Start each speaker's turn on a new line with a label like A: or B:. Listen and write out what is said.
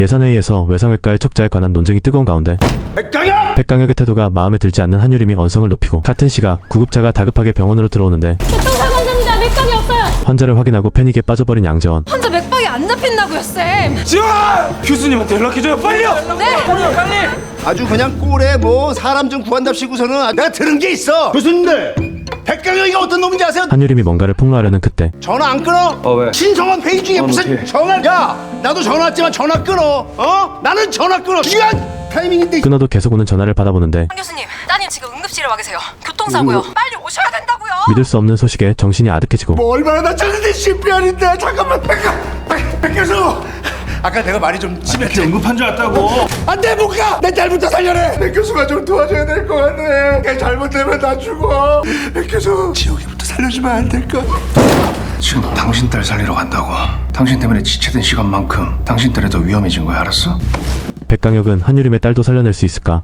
A: 예산회의에서 외상외과의 척자에 관한 논쟁이 뜨거운 가운데 백강혁의 태도가 마음에 들지 않는 한유림이 언성을 높이고 같은 시각 구급차가 다급하게 병원으로 들어오는데
B: 교통사고 환자입니다. 맥박이 없어요.
A: 환자를 확인하고 패닉에 빠져버린 양재원.
B: 환자 맥박이 안 잡힌다고요, 쌤.
C: 지원! 교수님한테 연락해줘요, 빨리요!
B: 네.
C: 빨리!
D: 아주 그냥 꼴에 뭐 사람 좀 구한답시고서는 내가 들은 게 있어. 교수님들, 백강혁이가 어떤 놈인지 아세요?
A: 한유림이 뭔가를 폭로하려는 그때
D: 전화 안 끊어?
C: 왜?
D: 신성원 회의 중에 무슨
C: 어떡해.
D: 전화? 야, 나도 전화 왔지만 전화 끊어. 나는 전화 끊어. 중요한 타이밍인데.
A: 끊어도 계속 오는 전화를 받아보는데
B: 한 교수님, 따님 지금 응급실에 와 계세요. 교통사고요. 빨리 오셔야 된다고요.
A: 믿을 수 없는 소식에 정신이 아득해지고
D: 뭐 얼마나 다쳤는데 CPR인데. 잠깐만, 백 교수. 아까 내가 말이 좀 심했지.
C: 응급한 줄 알았다고.
D: 안돼, 못 가. 내 딸부터 살려내. 백 교수가 좀 도와줘야 될 것 같네. 걔 잘못되면 나 죽어. 백 교수, 지옥이부터 살려주면 안 될까?
E: 지금 당신 딸 살리러 간다고. 당신 때문에 지체된 시간만큼 당신 딸이 더 위험해진 거야, 알았어?
A: 백강혁은 한유림의 딸도 살려낼 수 있을까?